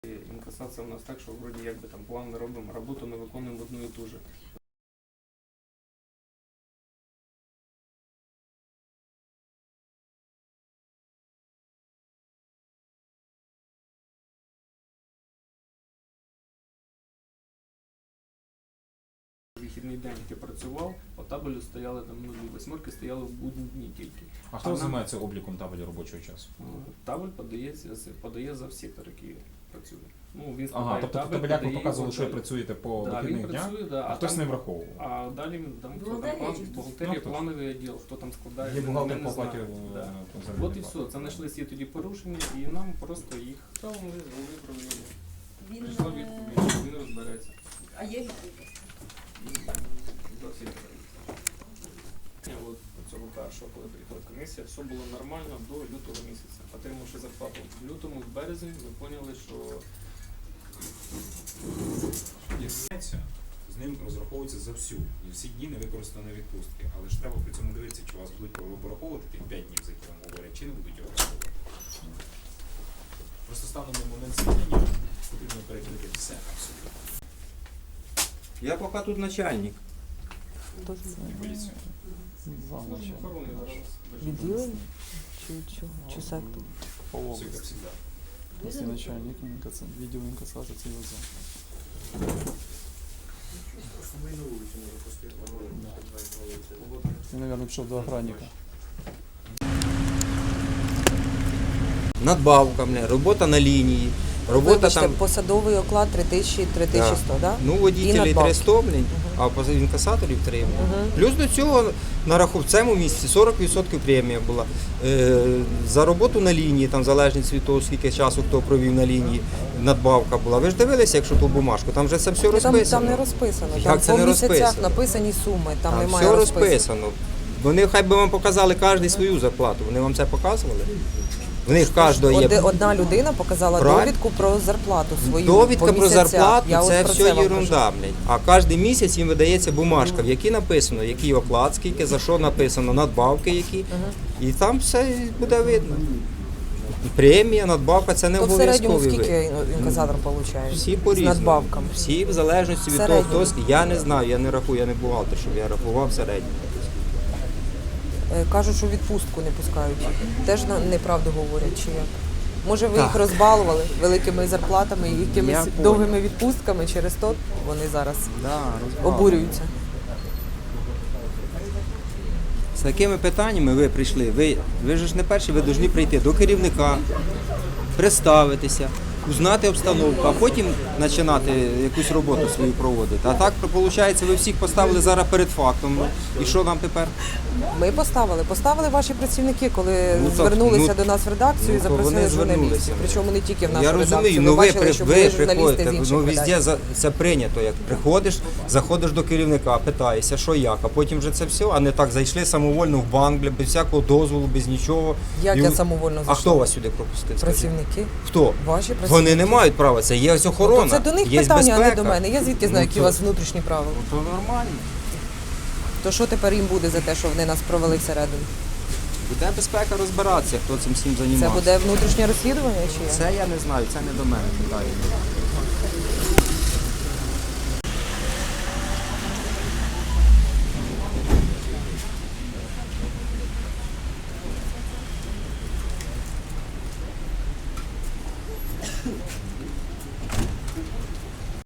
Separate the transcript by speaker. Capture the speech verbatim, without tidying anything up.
Speaker 1: Інкасація у нас так, що вроді якби там план ми робимо, роботу ми виконуємо одну і ту же. Вихідний день ти працював, по табелю стояли там нулі, восьмерки стояли в будні дні тільки.
Speaker 2: А хто займається обліком табелю робочого часу?
Speaker 1: Табель подається, подає за сектор, який працює. Ну, він
Speaker 2: ага, тобто в табелях ви показували, що ви працюєте по
Speaker 1: да,
Speaker 2: вихідних днях,
Speaker 1: да,
Speaker 2: а, а хтось
Speaker 1: там,
Speaker 2: не враховував.
Speaker 1: А далі там, хто там план, бухгалтерія,
Speaker 2: ну,
Speaker 1: плановий відділ, хто там складає.
Speaker 2: Є бухгалтер
Speaker 1: не
Speaker 2: по
Speaker 1: знаю.
Speaker 2: оплаті
Speaker 1: Да.
Speaker 2: консервативної
Speaker 1: От і все, це знайшлися тоді порушення, і нам просто їх стало виправили.
Speaker 3: Він,
Speaker 1: Прийшла відповідь, він розбереться.
Speaker 3: А є відповідь?
Speaker 1: От цього першого, коли приїхала комісія, все було нормально до лютого місяця. Отримавши зарплату в лютому, в березні, ми поняли, що
Speaker 2: з ним розраховується за всю. І всі дні не використані відпустки. Але ж треба при цьому дивитися, чи вас будуть пораховувати тих п'ять днів, за які вам говорять, чи не будуть його враховувати. Просто станом на момент звільнення потрібно перекрити все абсолютно.
Speaker 4: Я поки тут начальник.
Speaker 5: Хто це?
Speaker 2: Поліцію.
Speaker 1: служба охорони зараз.
Speaker 5: Відділення? Чи чого? Чи сектор?
Speaker 6: По
Speaker 2: Все, як
Speaker 6: области.
Speaker 2: завжди.
Speaker 6: Если начальник инкасса- видео инкассации, это его зам. Я, наверное, пришел до охранника.
Speaker 4: Надбавка, бля, робота на лінії, робота
Speaker 5: Вибачте,
Speaker 4: там,
Speaker 5: посадовий оклад три тисячі - три тисячі сто, да?
Speaker 4: ну,
Speaker 5: І
Speaker 4: водітелі
Speaker 5: надбавки.
Speaker 4: триста, блін, а по інкасаторів три. блін.
Speaker 5: Мгм.
Speaker 4: Плюс до цього на раху в цьому місяці сорок відсотків премія була. Е, за роботу на лінії, там залежність від того, скільки часу хто провів на лінії, надбавка була. Ви ж дивилися, якщо ту бумажку, там вже це все
Speaker 5: Там,
Speaker 4: розписано.
Speaker 5: там не розписано.
Speaker 4: Як
Speaker 5: Там
Speaker 4: це
Speaker 5: по
Speaker 4: не
Speaker 5: місяцях
Speaker 4: розписано?
Speaker 5: написані суми, там,
Speaker 4: Там
Speaker 5: немає
Speaker 4: все
Speaker 5: розписано.
Speaker 4: розписано. Вони хай би вам показали кожен свою зарплату. Вони вам це показували? В них кожного є.
Speaker 5: Оди- Одна людина показала
Speaker 4: Правильно.
Speaker 5: довідку про зарплату свою.
Speaker 4: Довідка
Speaker 5: по
Speaker 4: про
Speaker 5: місяцях.
Speaker 4: зарплату
Speaker 5: Я
Speaker 4: це
Speaker 5: от про
Speaker 4: все
Speaker 5: вам кажу.
Speaker 4: єрунда, блядь. А кожен місяць їм видається бумажка, в якій написано, який оклад, скільки, за що написано, надбавки які. І там все буде видно. Премія, надбавка це не
Speaker 5: То в середньому
Speaker 4: обов'язковий
Speaker 5: скільки
Speaker 4: вид.
Speaker 5: інкасатор отримує?
Speaker 4: Всі
Speaker 5: З
Speaker 4: по-різному.
Speaker 5: надбавками.
Speaker 4: Всі в залежності від
Speaker 5: В
Speaker 4: того,
Speaker 5: середньому.
Speaker 4: хто. ск- Я не знаю, я не рахую, я не бухгалтер, щоб я рахував середньо.
Speaker 5: Е, Кажуть, що відпустку не пускають. Теж на- неправду говорять, чи як? Може, ви
Speaker 4: Так.
Speaker 5: їх розбалували великими зарплатами і якимись
Speaker 4: Я понял.
Speaker 5: довгими відпустками, через то вони зараз
Speaker 4: Да,
Speaker 5: обурюються.
Speaker 4: З такими питаннями ви прийшли. Ви, ви ж не перші, ви повинні прийти до керівника, представитися, узнати обстановку, а потім починати якусь роботу свою проводити. А так, виходить, ви всіх поставили зараз перед фактом. І що нам тепер?
Speaker 5: Ми поставили. Поставили ваші працівники, коли
Speaker 4: Ну, так,
Speaker 5: звернулися
Speaker 4: ну,
Speaker 5: до нас в редакцію
Speaker 4: ну,
Speaker 5: і
Speaker 4: то
Speaker 5: запросили
Speaker 4: вони
Speaker 5: журналістів.
Speaker 4: звернулися.
Speaker 5: Причому не тільки в нашу
Speaker 4: Я
Speaker 5: редакцію.
Speaker 4: розумію,
Speaker 5: Ми
Speaker 4: ну ви,
Speaker 5: бачили,
Speaker 4: при,
Speaker 5: що
Speaker 4: ви
Speaker 5: були журналісти
Speaker 4: приходите,
Speaker 5: з інших
Speaker 4: ну
Speaker 5: видань.
Speaker 4: везде за- це прийнято, як приходиш, заходиш до керівника, питаєшся, що як, а потім вже це все, а не так зайшли самовольно в банк, бля, без всякого дозволу, без нічого.
Speaker 5: Як
Speaker 4: І-
Speaker 5: я самовольно
Speaker 4: А
Speaker 5: зайшла?
Speaker 4: хто вас сюди пропустив? скажіть?
Speaker 5: Працівники.
Speaker 4: Хто?
Speaker 5: Ваші працівники.
Speaker 4: Вони не мають права, це є ось охорона,
Speaker 5: То це до них
Speaker 4: є
Speaker 5: питання, а не
Speaker 4: безпека.
Speaker 5: до мене. Я звідки знаю,
Speaker 4: Ну,
Speaker 5: які
Speaker 4: то-
Speaker 5: у вас внутрішні правила?
Speaker 4: Ну, то нормально.
Speaker 5: То що тепер їм буде за те, що вони нас провели всередину?
Speaker 4: Буде безпека розбиратися, хто цим всім
Speaker 5: Це
Speaker 4: займається.
Speaker 5: буде внутрішнє розслідування чи як?
Speaker 4: Це я не знаю, це не до мене питання.